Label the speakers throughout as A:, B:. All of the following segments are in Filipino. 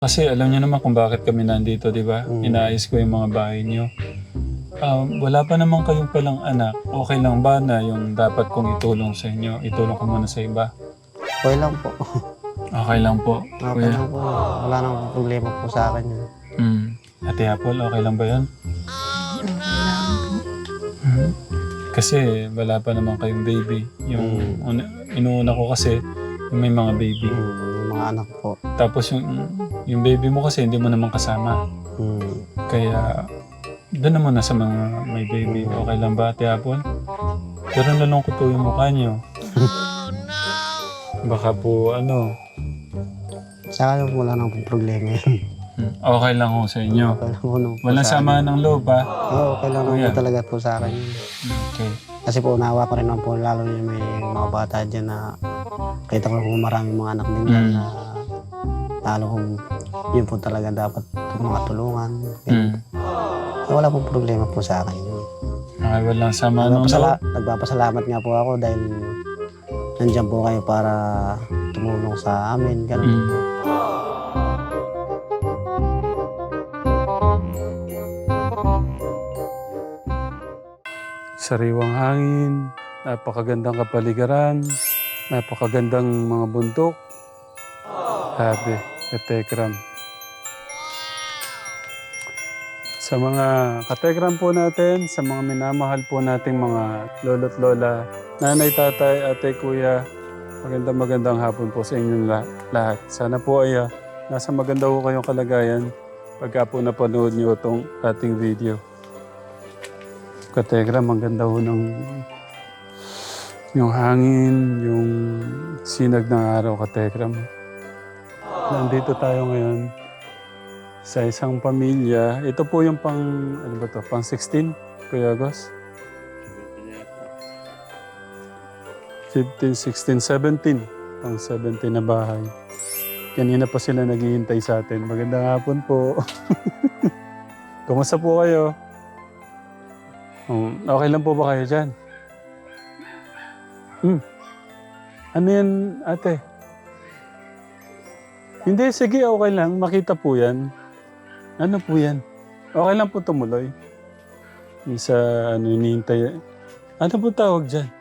A: Kasi alam niyo naman kung bakit kami nandito, di ba? Inaayos ko yung mga bahay niyo. Wala pa naman kayong palang anak. Okay lang ba na yung dapat kong itulong sa inyo? Itulong ko muna sa iba.
B: Okay lang po.
A: Okay lang po,
B: Okay
A: kuya.
B: lang po. Wala nang problema po sa akin yun.
A: Ate Apple, okay lang ba yun?
C: Okay lang po.
A: Kasi wala pa naman kayong baby. Yung inuuna ko kasi yung may mga baby.
B: Yung mga anak po.
A: Tapos yung baby mo kasi hindi mo naman kasama. Kaya doon naman na sa mga may baby. Okay lang ba, Ate Apple? Pero nalungkot po yung mukha niyo. Baka po
B: Sa akin wala nang problema yun.
A: okay lang ho sa inyo.
B: Okay lang po nung
A: Walang sama ng loob, ha?
B: okay lang naman po talaga po sa akin yun.
A: Okay.
B: Kasi po unawa ko rin naman po lalo yung may mga bata dyan na kita ko po maraming mga anak din dyan na lalo kung yun po talaga dapat mga tulungan. Wala pong problema po sa akin yun.
A: Okay, walang sama ng loob.
B: Nagpapasalamat nga po ako dahil nandiyan po kayo para tumulong sa amin. Ganun po.
A: Sariwang hangin, napakagandang kapaligiran, napakagandang mga bundok. Sabi, katekram. Sa mga katekram po natin, sa mga minamahal po nating mga lolo't lola, nanay, tatay, ate, kuya, magandang hapon po sa inyong lahat. Sana po ay nasa maganda po kayong kalagayan pagka po napanood niyo itong ating video. Katekram, ang ganda ho ng yung hangin, yung sinag ng araw, katekram. Nandito tayo ngayon sa isang pamilya. Ito po yung pang 16, Kuya Agos? 15, 16, 17. Pang 17 na bahay. Kanina pa sila naghihintay sa atin. Magandang hapon po. Kumusta po kayo? Okay lang po ba kayo dyan? Ano yan, ate? Hindi, sige, okay lang. Makita po yan. Ano po yan? Okay lang po tumuloy. Yung sa hinihintay. Ano po tawag dyan?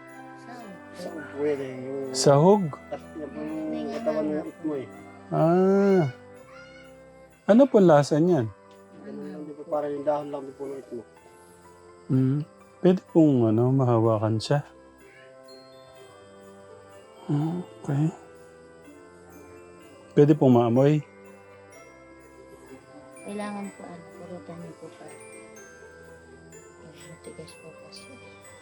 A: Sahog? Ano po lasa niyan?
B: Parang yung dahon lang po ng itmo.
A: Pwede pong mahawakan siya. Okay. Pwede pong maamoy.
C: Kailangan po, purutan niyo po pa. Matigas po kasi.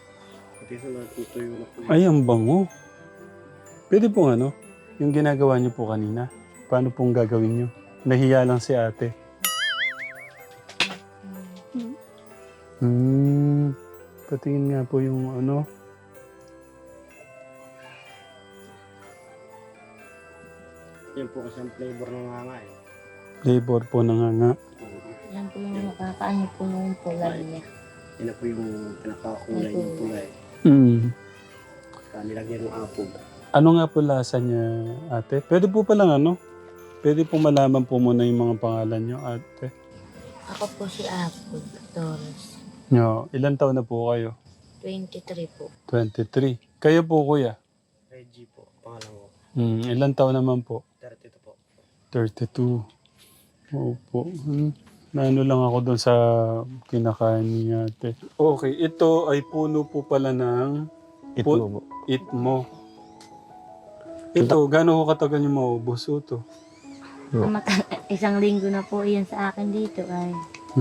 A: Ay, ang bango. Pwede pong yung ginagawa niyo po kanina. Paano pong gagawin niyo? Nahiya lang si ate. Patingin nga po yung
B: Yan po kasi ang flavor ng hanga eh.
A: Flavor po ng hanga.
C: Yan po yung makakaano po nung pulay niya.
B: Yan po yung pinakakulay ng pulay. Nilagyan ng apog.
A: Ano nga po lasa niya, ate? Pwede po palang Pwede po malaman po muna yung mga pangalan niyo, ate.
C: Ako po si Apple Torres.
A: Ilan taon na po kayo?
C: 23 po.
A: 23. Kayo po, kuya?
B: Reggie po, pangalan ko.
A: Ilan taon naman po?
B: 32 po.
A: 32. Opo. Naano lang ako doon sa kinakain ni ate. Okay, ito ay puno po pala ng
B: Itmo po.
A: itmo. Ito, gano'n ko katagal yung maubos ito?
C: Isang linggo na po yan sa akin dito ay.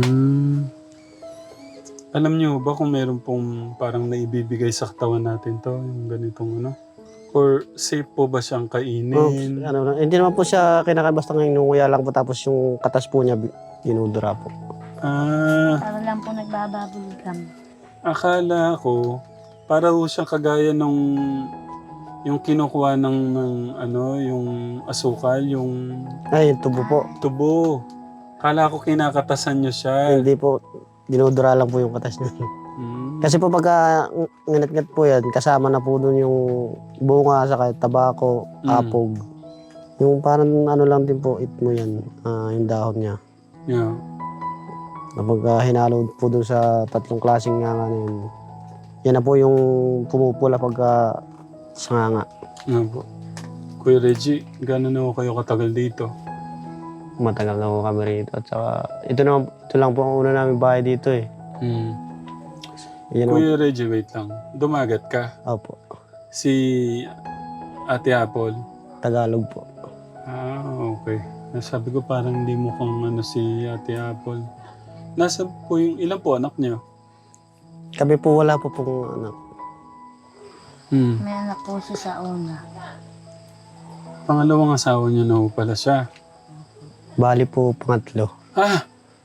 A: Alam niyo ba kung meron pong parang naibibigay sa katawan natin to, yung ganitong Or safe po ba siyang kainin?
B: Hindi naman po siya kinakain basta ngayon nunguya lang po tapos yung katas po niya dinudura po.
C: Para lang po nagbababulgam.
A: Akala ko, para ho siyang kagaya yung kinukuha ng yung asukal, yung
B: Ay, yung tubo po.
A: tubo. Akala ko kinakatasan niyo siya.
B: Hindi po, dinudura lang po yung katas niya. Kasi po pagka nginat-ngat po yan, kasama na po dun yung bunga, saka tabako, apog. Yung parang ano lang din po, it mo yan, yung dahon niya.
A: Yeah.
B: Kapag hinalo po doon sa tatlong klaseng nga na yun, yan na po yung pumupula pagka sa nga.
A: Nga po. Kuya Reggie, gano'n na kayo katagal dito?
B: Matagal na po kami rito. At saka, ito lang po ang una namin bahay dito eh.
A: Hmm.
B: Yan
A: Kuya Reggie, wait lang. Dumagat ka.
B: Opo,
A: Si Ate Apple.
B: Tagalog po.
A: Okay. Nasabi ko parang hindi mo kung ano si Ate Apple. Nasa po yung ilan po anak niyo?
B: Kami po wala po pong anak.
C: May anak po siya sa una.
A: Pangalawang asawa niyo na po pala siya.
B: Bali po pangatlo.
A: Ah!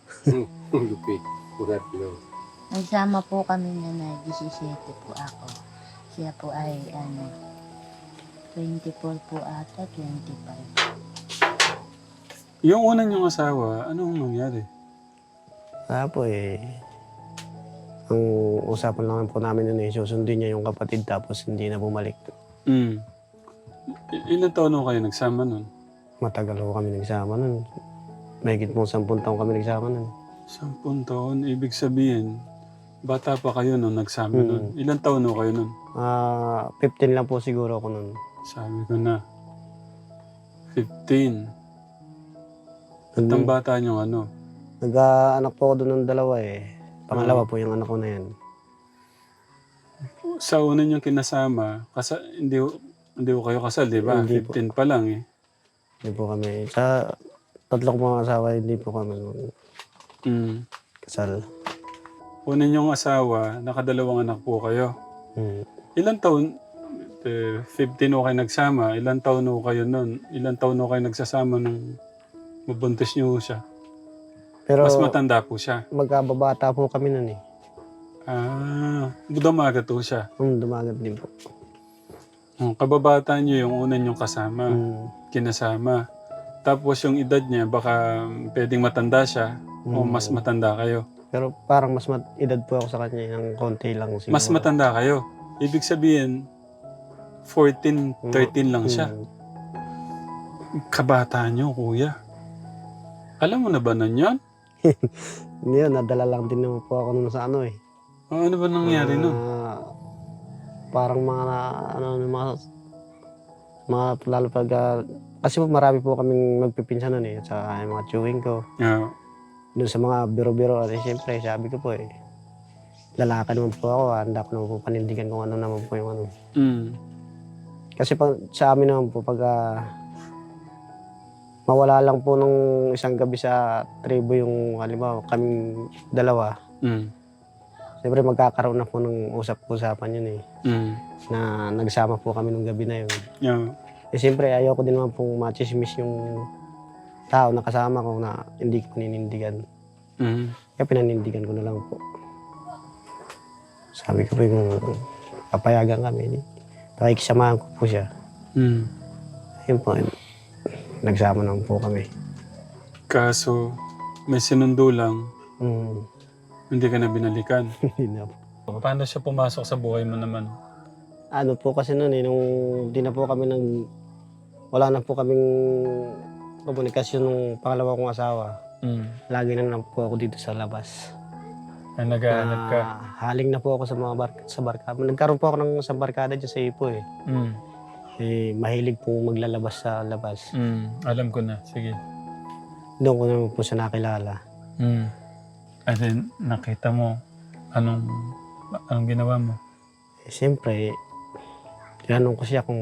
C: Nagsama po kami na 17 po ako. Siya po ay 24 po ata, 25.
A: Yung una niyong asawa, anong nangyari?
B: Kaya po ang usapan lang po namin nun susundin niya yung kapatid tapos hindi na bumalik.
A: Hmm. Ilan taon na kayo nagsama nun?
B: Matagal po kami nagsama nun. Mahigit po 10 taon kami nagsama nun.
A: 10 taon, ibig sabihin, bata pa kayo nung nagsama nun. Ilan taon na kayo nun?
B: 15 lang po siguro ako nun.
A: Sabi ko na, 15. At ang bata niyong ano?
B: Nag-anak po ako doon ng dalawa eh. Pangalawa po yung anak ko na yan.
A: Sa una niyong kinasama, hindi ko kayo kasal, di ba?
B: Hindi
A: 15 pa lang eh.
B: Hindi po kami. Sa tatlong mga asawa, hindi po kami
A: Mm.
B: kasal.
A: Una niyong asawa, nakadalawang anak po kayo. Ilan taon? 15 o kayo nagsama. Ilan taon o kayo nun? Ilan taon o kayo nagsasama nung mabuntis niyo siya?
B: Pero
A: Mas matanda po siya.
B: magkababata po kami nun eh.
A: Dumagat po siya.
B: Dumagat din po.
A: Kababata niyo yung una niyong kasama, kinasama. Tapos yung edad niya, baka pwedeng matanda siya o mas matanda kayo.
B: Pero parang mas edad po ako sa kanya ng konti lang siguro.
A: Mas matanda kayo. Ibig sabihin, 14, 13 lang siya. Kabata niyo, kuya. Alam mo na ba nun yun?
B: Hindi yun, nadala lang din naman po ako nun sa ano eh.
A: Ano ba nangyari nun?
B: Parang mga lalo pag kasi po marami po kaming magpipinsan nun eh sa mga chewing ko.
A: Yeah.
B: Doon sa mga biro-biro at siyempre sabi ko po lalaki naman po ako, handa ko naman po panindigan kung ano naman po yung ano. Kasi sa amin naman po pag mawala lang po nung isang gabi sa tribo yung halimbawa kaming dalawa. Siyempre magkakaroon na po ng usap-usapan yun eh. Na nagsama po kami nung gabi na yun.
A: Yeah.
B: Siyempre ayaw ko din naman pong machismis yung tao na kasama ko na hindi ko paninindigan. Kaya pinanindigan ko na lang po. Sabi ko po yung papayagan kami. Pakikisamahan ko po siya. Ayun po, nagsama naman po kami.
A: Kaso, may sinundo lang, hindi ka na binalikan.
B: Hindi na po.
A: Paano siya pumasok sa buhay mo naman?
B: Ano po kasi noon nung di na po kami wala na po kaming komunikasyon nung pangalawa kong asawa. Lagi na lang po ako dito sa labas.
A: Naghahanap ka?
B: Haling na po ako sa mga barkada. Nagkaroon po ako ng isang barkada dyan sa Ipo eh. Mahilig po maglalabas sa labas.
A: Alam ko na. Sige.
B: Doon ko naman po siya nakilala.
A: And then, nakita mo, anong ginawa mo?
B: Siyempre, tinanong ko siya kung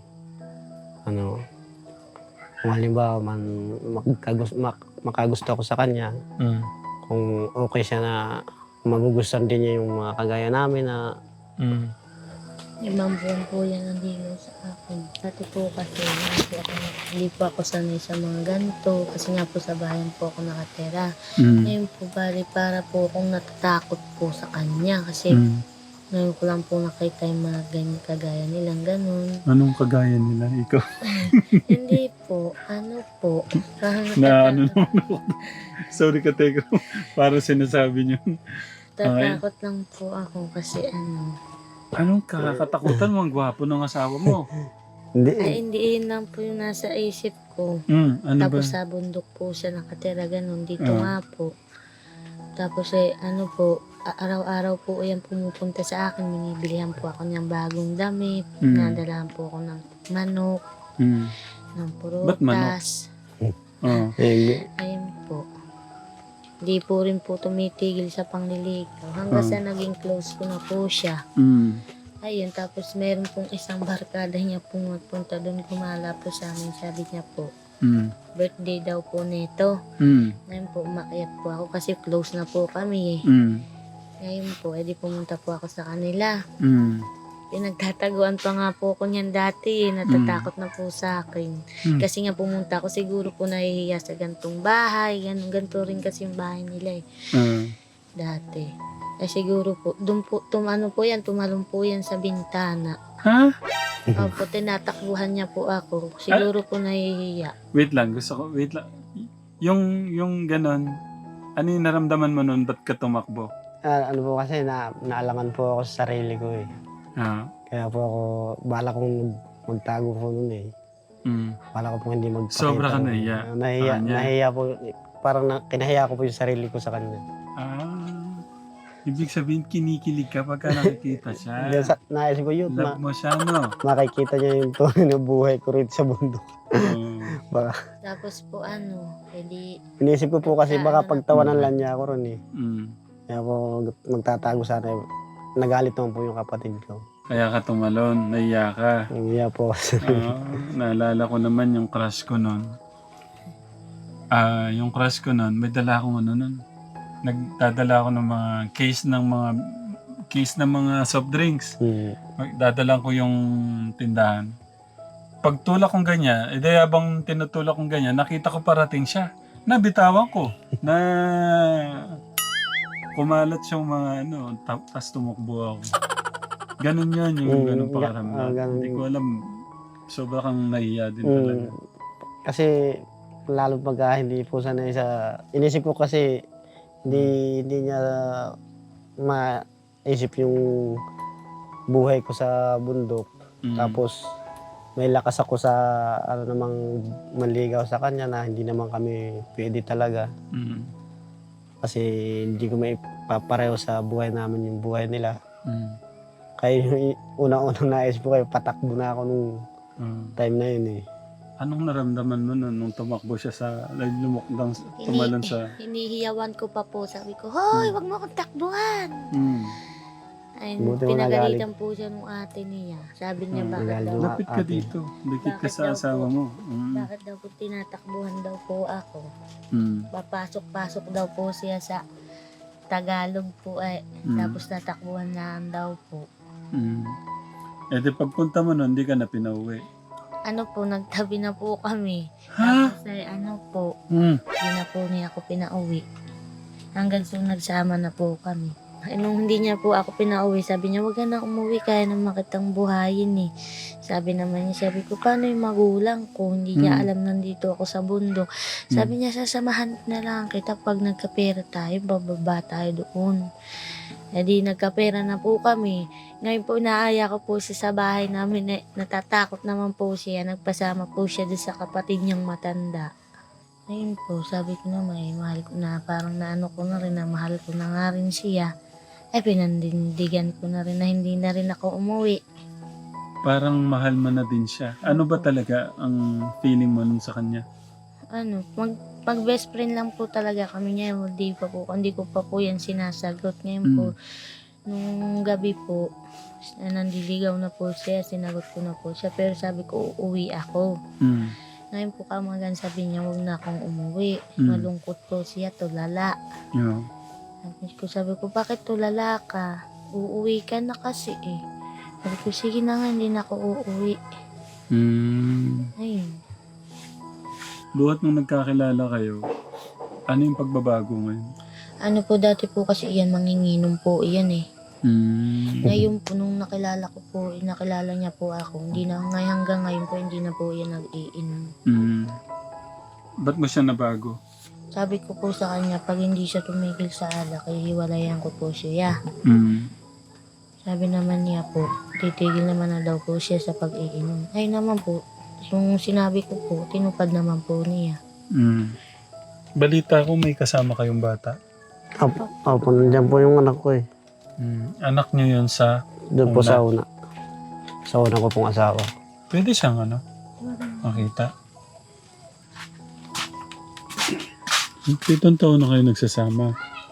B: halimbawa man makagusto ako sa kanya, kung okay siya na magugustuhan din niya yung mga kagaya namin na
C: 5 buwan po yan ang ligaw sa akin. Dati po kasi hindi po ako sanay sa mga ganito kasi nga po sa bayan po ako nakatira. Ngayon po bali para po akong natatakot po sa kanya kasi ngayon ko lang po nakita yung mga ganyan kagaya nilang ganun.
A: Anong kagaya nila? Ikaw?
C: Hindi po. Ano po?
A: Naman ako. Sorry ka, Teko. Para sinasabi niyo.
C: Tatakot lang po ako kasi
A: Anong kakatakutan mo? Ang gwapo ng asawa mo.
B: Hindi.
C: Ay, hindi yun lang po yung nasa isip ko.
A: Ano ba?
C: Tapos sa bundok po siya nakatira, ganun. Dito
A: Ah.
C: nga po. Tapos ano po, araw-araw po yan pumupunta sa akin. Binibilihan po ako ng bagong damit. Nadalahan po ako ng manok,
A: Mm.
C: ng
A: Ba't manok?
C: prutas.
A: Oh.
C: Ayun po. Di po rin po tumitigil sa pangliligaw. Hanggang sa naging close ko na po siya. Ayun, tapos meron pong isang barkada niya pong magpunta doon, gumala po sa amin. Sabi niya po, birthday daw po nito. Ngayon po, umakyat po ako kasi close na po kami eh. Ngayon po, edi pumunta po ako sa kanila. Pinagtataguan pa nga po ako niyan dati eh. Natatakot na po sa akin. Kasi nga pumunta ako, siguro po nahihiya sa gantong bahay. Ganto rin kasi yung bahay nila eh. Dati. Eh siguro po, doon po, tumalon po yan sa bintana.
A: Ha?
C: Opo, tinatakbuhan niya po ako. Siguro po nahihiya.
A: Wait lang. Yung ganon, ano yung naramdaman mo nun? Ba't ka tumakbo?
B: Ano po kasi, naalangan po ako sa sarili ko eh. Kaya po ako, bala kong magtago po nun eh. Bala ko po hindi magpakita.
A: Sobra ka nahiya.
B: Nahiya po. Parang kinahiya ko po yung sarili ko sa kanya.
A: Ibig sabihin, kinikilig ka pagka nakikita siya.
B: Naisip ko yun.
A: Love mo siya, no?
B: Makikita niya yung tunay na buhay ko rin sa bundok. Baka.
C: Tapos po edi...
B: Inisip ko po kasi baka pagtawanan lang niya ako ron eh. Kaya po magtatago sana. Nagalit naman po yung kapatid ko.
A: Kaya ka tumalon, naiya ka.
B: Naiya po kasi.
A: Naalala ko naman yung crush ko nun. Yung crush ko nun, may dala akong ano nun. Nagdadala ako ng mga case ng mga soft drinks. Dadala ko yung tindahan. Pagtulak kong ganyan, habang tinutulak kong ganyan, nakita ko parating siya. Nabitawan ko. Kumalat siyang mga tapos tumakbo ako. Ganun yan, yung ganun pakaramdam. Hindi ko alam, sobra kang nahiya din talaga.
B: Kasi, lalo pagka hindi po sanay sa... Inisip ko kasi, hindi niya maisip yung buhay ko sa bundok. Tapos, may lakas ako sa namang manligaw sa kanya na hindi naman kami pwede talaga. Kasi hindi ko maipapareho sa buhay namin yung buhay nila. Kaya yung unang-unang naisip ko, patakbo na ako nung time na yun eh.
A: Anong naramdaman mo nung tumakbo siya tumalon sa...
C: Hinihiyawan ko pa po. Sabi ko, hoy, wag mo akong takbuhan. Ay,
B: Buti mo
C: pinagalitan po siya nung ate niya. Sabi niya, bakit daw?
A: Lapit ka dito. Lapit ka sa asawa mo.
C: Bakit daw po tinatakbuhan daw po ako? Papasok-pasok daw po siya sa Tagalog po eh. Tapos natakbuhan lang daw po.
A: Di pagpunta mo nun, hindi ka na pinauwi.
C: Nagtabi na po kami.
A: Ha?
C: Tapos hindi na po niya ako pinauwi. Hanggang so nagsama na po kami. Nung hindi niya po ako pinauwi, sabi niya, wag ka na umuwi, kaya naman kitang buhayin eh. Sabi naman niya, sabi ko, paano yung magulang ko? Hindi niya alam nandito ako sa bundok. Sabi niya, sasamahan na lang kita pag nagkapera tayo, bababa tayo doon. Di nagkapera na po kami. Ngayon po, naaya ko po siya sa bahay namin. Natatakot naman po siya. Nagpasama po siya doon sa kapatid niyang matanda. Ayun po, sabi ko naman, mahal ko na, parang naano ko na rin na mahal ko na nga rin siya. Pinandindigan ko na rin na hindi na rin ako umuwi.
A: Parang mahal mo na din siya. Ano ba talaga ang feeling mo nun sa kanya?
C: Pag best friend lang po talaga kami niya. Hindi ko pa po yan sinasagot. Ngayon po, nung gabi po, nandiligaw na po siya, sinagot ko na po siya. Pero sabi ko, uuwi ako. Ngayon po kamagan, sabi niya, huwag na akong umuwi. Malungkot po siya, tulala. Sabi ko, bakit tulala ka? Uuwi ka na kasi eh. Sabi ko, sige na nga, hindi na ako uuwi. Ayun.
A: Buhat nung nagkakilala kayo, ano yung pagbabago ngayon?
C: Dati po kasi iyan, manginginom po iyan eh. Ngayon po, nung nakilala niya po ako, hanggang ngayon po, hindi na po iyan nag-iinom.
A: Ba't mo siya nabago?
C: Sabi ko po sa kanya, pag hindi siya tumigil sa alak, hiwalayan ko po siya. Sabi naman niya po, titigil naman na daw po siya sa pag-iinom. Ay naman po, yung sinabi ko po, tinupad naman po niya.
A: Balita ko may kasama kayong bata.
B: Opo, nandiyan po yung anak ko eh.
A: Anak niyo yun sa...
B: Doon po
A: Una.
B: sa una. Sa una ko pong asawa.
A: Pwede siyang makita. Pitong taon na kayo nagsasama.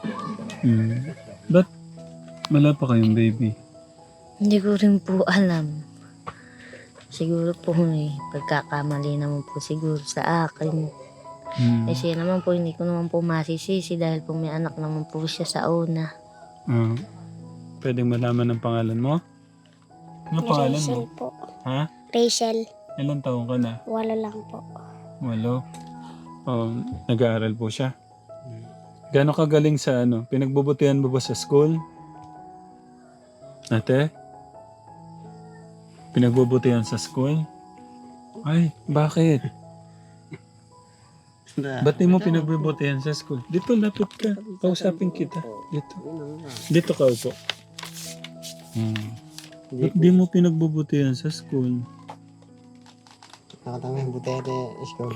A: Ba't wala pa kayong baby?
C: Hindi ko rin po alam. Siguro po pagkakamali naman po siguro sa akin. Kasi naman po, hindi ko naman po masisisi dahil po may anak naman po siya sa una.
A: Pwedeng malaman ang pangalan mo? Ano pangalan mo?
D: Rachel po.
A: Ha?
D: Rachel,
A: Ilang taon ka na?
D: 8 lang po.
A: 8. Nag-aaral po siya. Gano'ng kagaling sa Pinagbubutihan mo ba sa school? Ate? Pinagbubutihan sa school? Ay, bakit? Ba't di mo pinagbubutihan sa school? Dito, lapit ka. Kausapin kita. Dito. Dito ka upo. Ba't di mo pinagbubutihan sa school?
B: Nakatama yung butete school.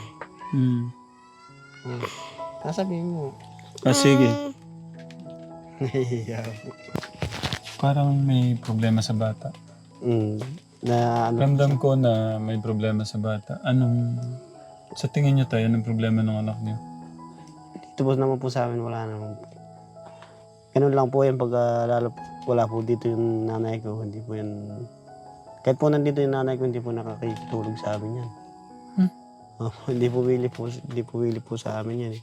B: Kasabihin mo.
A: Sige.
B: Nahihiya po.
A: Parang may problema sa bata.
B: Na ano,
A: Ramdam ko na may problema sa bata. Sa tingin niyo tayo, anong problema ng anak niyo?
B: dito po naman po sa amin wala naman po. Ganun lang po yan pag lalo wala po dito yung nanay ko. Hindi po yan. Kahit po nandito yung nanay ko, hindi po nakakitulog sa amin yan. Hindi po wili po sa amin yan.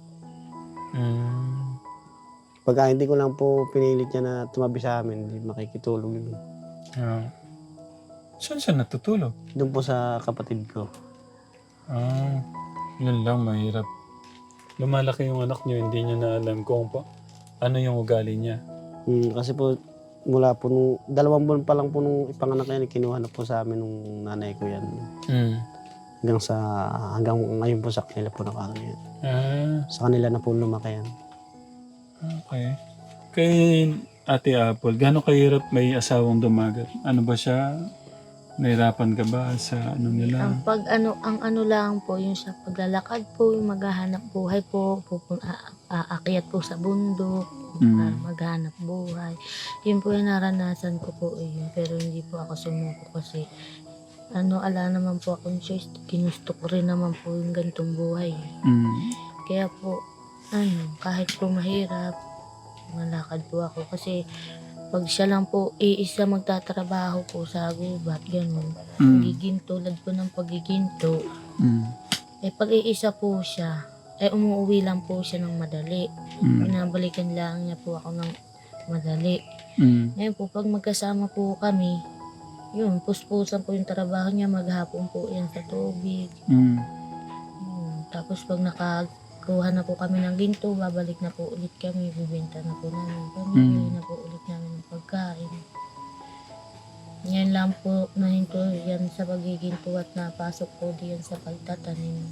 B: Pagka hindi ko lang po pinilit niya na tumabi sa amin, hindi makikitulog yun.
A: Saan siya natutulog?
B: Doon po sa kapatid ko.
A: Yun lang, mahirap. Lumalaki yung anak niyo, hindi niyo na alam kung ano yung ugali niya.
B: Kasi po, mula po nung 2 buwan pa lang po nung ipanganak yan, kinuha na po sa amin nung nanay ko yan. Hanggang ngayon po sa kanila po nakakano yan. Sa kanila na po lumaki yan.
A: Okay. Kay Ate Apple, gano'ng kahirap may asawang dumagat? Ano ba siya? Nahirapan ka ba sa nila?
C: Ang ano lang po, yung sa paglalakad po, yung maghahanap buhay po, aakyat po sa bundok, para maghanap buhay. Yun po yung naranasan ko po yun, pero hindi po ako sumuko kasi ala naman po akong choice, ginusto ko rin naman po yung gantong buhay. Kaya po, kahit po mahirap, malakad po ako kasi pag siya lang po iisa magtatrabaho po sa gubat, gano'n. Pagiging tulad po ng pagiginto. Pag iisa po siya, umuwi lang po siya ng madali. Pinabalikan lang niya po ako ng madali. Ngayon po, pag magkasama po kami, yun, puspusan po yung trabaho niya, maghapon po yan sa tubig. Tapos pag nakakuha na po kami ng ginto, babalik na po ulit kami, bibenta na po namin. Pamili na po ulit namin ng pagkain. Yan lang po, nahinto yan sa pagiginto at napasok po diyan sa pagtatanim.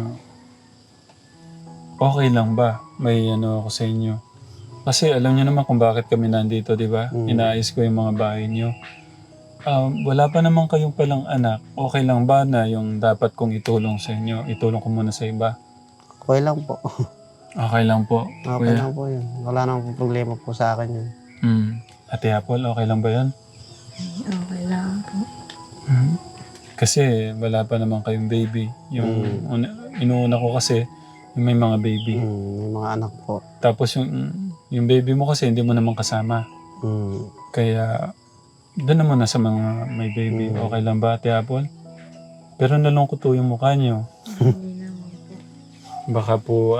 A: Okay lang ba? May ako sa inyo. Kasi alam niyo naman kung bakit kami nandito, di ba? Inaayos ko yung mga bahay niyo. Wala pa naman kayong palang anak. Okay lang ba na yung dapat kong itulong sa inyo? Itulong ko muna sa iba?
B: Okay lang po.
A: Okay lang po.
B: Okay lang po yun. Wala naman po problema po sa akin yun.
A: Ate Apple, okay lang ba yun?
C: Okay lang po.
A: Kasi wala pa naman kayong baby. Yung inuuna ko kasi, yung may mga baby.
B: May mga anak po.
A: Tapos yung baby mo kasi hindi mo naman kasama. Kaya doon naman na sa mga may baby. Okay lang ba, Ate Apple? Pero nalungkot po yung mukha niyo.
C: Hindi naman po.
A: Baka po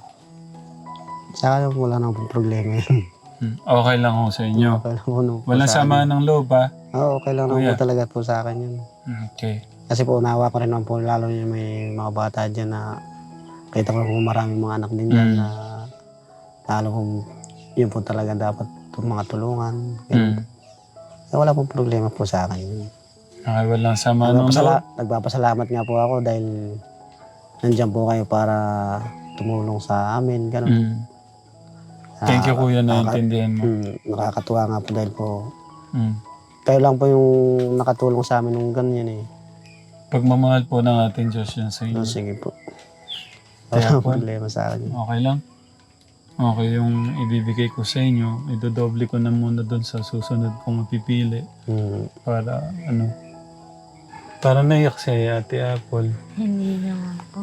B: Sa akin wala naman po problema yun.
A: Okay lang ho sa inyo.
B: Okay lang po,
A: Walang sama ng loob, ha?
B: Oo, okay lang naman
A: Kuya.
B: po talaga po sa akin yun.
A: Okay.
B: Kasi po unawa ko rin naman po, lalo yung may mga bata dyan na kita ko po maraming mga anak din dyan na lalo kung yun po talaga dapat mga tulungan. Wala pong problema po sa akin yun.
A: Okay, walang sama ng loob.
B: Nagpapasalamat nga po ako dahil nandiyan po kayo para tumulong sa amin. Ganun.
A: Thank you, Kuya, na intindihan mo.
B: Nakakatuwa nga po dahil po
A: Mm.
B: Kayo lang po yung nakatulong sa amin nung ganyan eh.
A: Pagmamahal po ng ating Diyos yan sa inyo.
B: So, sige po.
A: Kaya
B: Wala
A: po.
B: problema sa akin.
A: Okay lang? Okay, yung ibibigay ko sa inyo, idodoble ko na muna doon sa susunod kong mapipili. Para para naiyak siya Ate Apple.
C: Hindi naman po.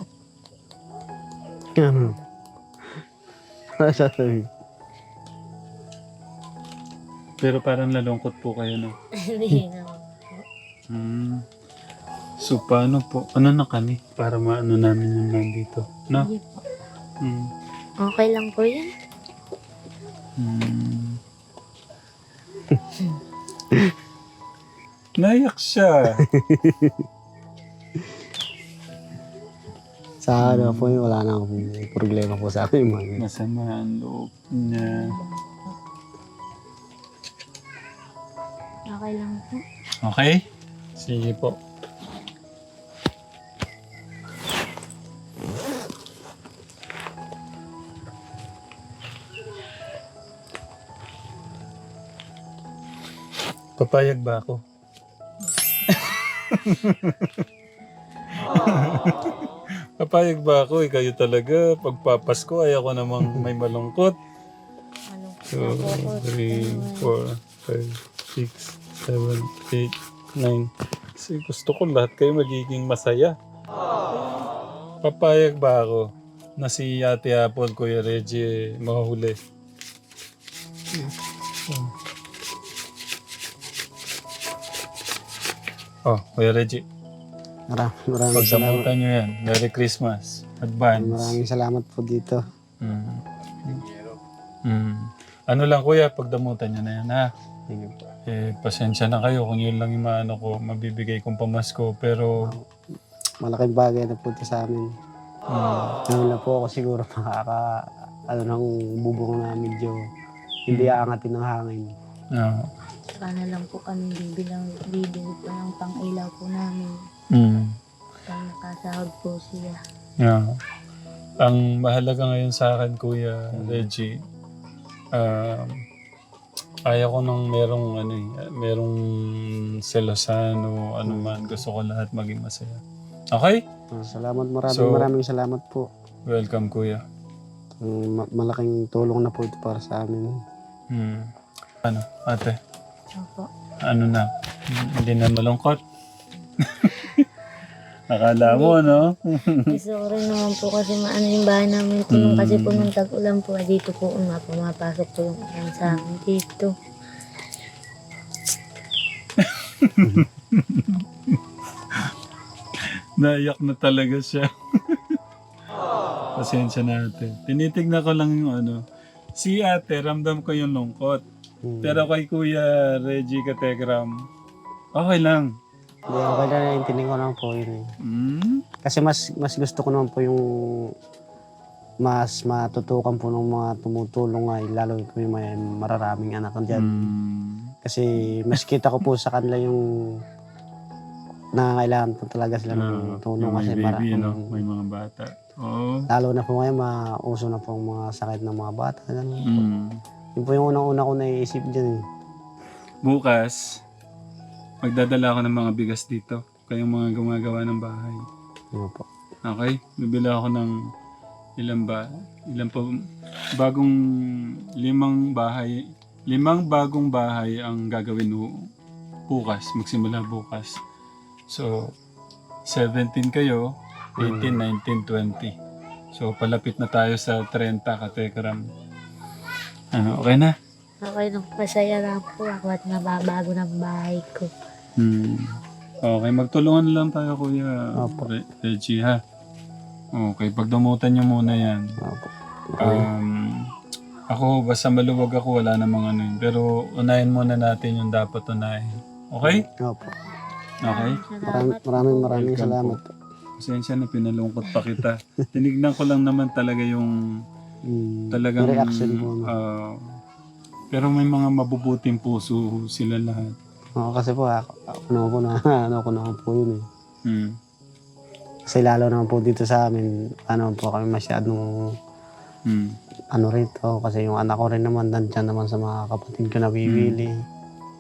B: Ano sasabihin?
A: Pero parang nalungkot po kayo, no?
C: Hindi naman po.
A: So, paano po? Ano na kami? Para maano namin yung nandito. No?
C: Hindi po.
A: Hmm.
C: Okay lang po yan.
A: Naiyak siya.
B: Sa ano po yun, wala na akong problema po sa akin. Mga ganyan.
A: Masama ang loob niya.
C: Okay lang po.
A: Okay? Sige po. Papayag ba ako? Papayag ba ako? Kayo talaga. Pagpapasko, ayaw ko namang may malungkot.
C: Malungkot
A: 2,
C: po ako.
A: 3, 4, 5, 6, 7, 8, 9. Kasi gusto ko lahat kayo magiging masaya. Papayag ba ako na si Ate Apple, Kuya Reggie, mahuli? Oh, Kuya Reggie,
B: Maraming salamat.
A: pagdamutan nyo yan. Merry Christmas. Advance.
B: Maraming salamat po dito.
A: Mm. Mm. Ano lang kuya, pagdamutan nyo na yan ha.
B: Sige po.
A: Pasensya na kayo kung yun lang yung maano ko, mabibigay kong pamasko. Pero,
B: Malaking bagay na po ito sa amin. Ngayon na po ako siguro nang bubong na medyo hindi aangatin ng hangin.
C: Saka na lang po kami bibili po ng pang-ilaw po namin. Pag nakasahod po siya.
A: Yeah. Ang mahalaga ngayon sa akin, Kuya Reggie, ayaw ko nang merong selosan o ano man. Gusto ko lahat maging masaya. Okay?
B: Salamat,
A: So,
B: maraming salamat po.
A: Welcome, Kuya.
B: Malaking tulong na po ito para sa amin.
A: Ano, ate?
C: Opo.
A: Ano na? Hindi na malungkot? Akala mo, no?
C: Gusto ko rin naman po kasi maano yung bahay namin tulong kasi po nung tag-ulan po dito po pumapasok po yung ulan sa amin dito.
A: Naiyak na talaga siya. Pasensya na ate. Tinitignan ko lang yung Si ate, ramdam ko yung lungkot. Pero kay Kuya Reggie Kategram, okay lang.
B: Hindi, okay na naintindihan ko naman po yun eh. Kasi mas gusto ko naman po yung mas matutukan po ng mga tumutulong lalo po yung may mararaming anak dyan. Kasi mas kita ko po sa kanila yung nangangailangan po talaga sila ng tulong kasi
A: baby, may mga bata. Oh.
B: Lalo na po ngayon, mauso na po ang mga sakit ng mga bata. Yun po yung unang-una ko naiisip dyan eh.
A: Bukas, magdadala ako ng mga bigas dito. Kayong mga gumagawa ng bahay.
B: Yun po.
A: Okay? Bibili ako ng ilang bagong 5 bagong bahay ang gagawin bukas, magsimula bukas. So, 17 kayo, 18, 19, 20. So, palapit na tayo sa 30 katekram. Okay na?
C: Okay lang, masaya lang po ako at nababago ng bahay ko.
A: Okay, magtulungan lang tayo Kuya Reggie ha. Okay, pagdamutan nyo muna yan. Ako, basta maluwag ako, wala namang yun. Pero unahin muna natin yung dapat unahin. Okay?
B: Opo.
A: Okay?
B: Maraming salamat po.
A: Pasensya na, pinalungkot pa kita. Tinignan ko lang naman talaga yung talagang
B: reaction po.
A: pero may mga mabubuting puso sila lahat.
B: Oo, kasi po ako naman po yun eh. Kasi lalo naman po dito sa amin, po kami masyadong rito. Kasi yung anak ko rin naman, nandyan naman sa mga kapatid ko na bibili.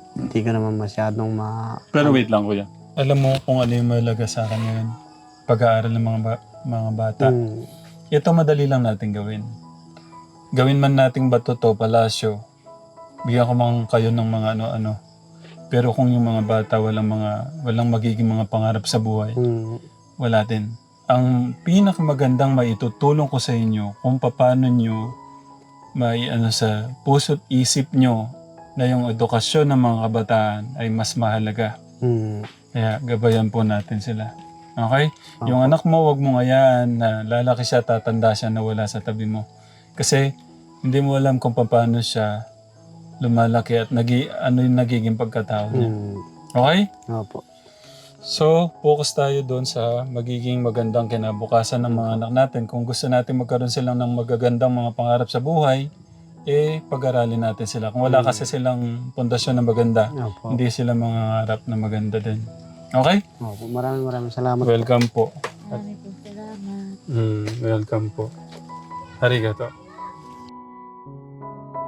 B: hindi ko naman masyadong
A: Pero wait lang, kuya. Alam mo kung ano yung mahalaga sa akin ngayon? Pag-aaral ng mga bata. Ito madali lang natin gawin. Gawin man nating bato to, palasyo. Bigyan ko man kayo ng mga ano-ano. Pero kung yung mga bata walang magiging mga pangarap sa buhay, wala din. Ang pinakamagandang maitutulong ko sa inyo kung paano nyo sa puso't isip nyo na yung edukasyon ng mga kabataan ay mas mahalaga. Kaya gabayan po natin sila. Okay? Yung anak mo, wag mo ngayaan na lalaki siya, tatanda siya na wala sa tabi mo. Kasi hindi mo alam kung paano siya lumalaki at ano yung nagiging pagkatao niya. Okay?
B: Opo.
A: So, focus tayo doon sa magiging magandang kinabukasan ng mga anak natin. Kung gusto natin magkaroon silang ng magagandang mga pangarap sa buhay, pag-aralin natin sila. Kung wala kasi silang pundasyon na maganda,
B: Opo.
A: hindi sila mangangarap na maganda din. Okay?
B: Opo. Maraming salamat.
A: Welcome po.
C: Maraming po salamat.
A: Welcome po. Arigato.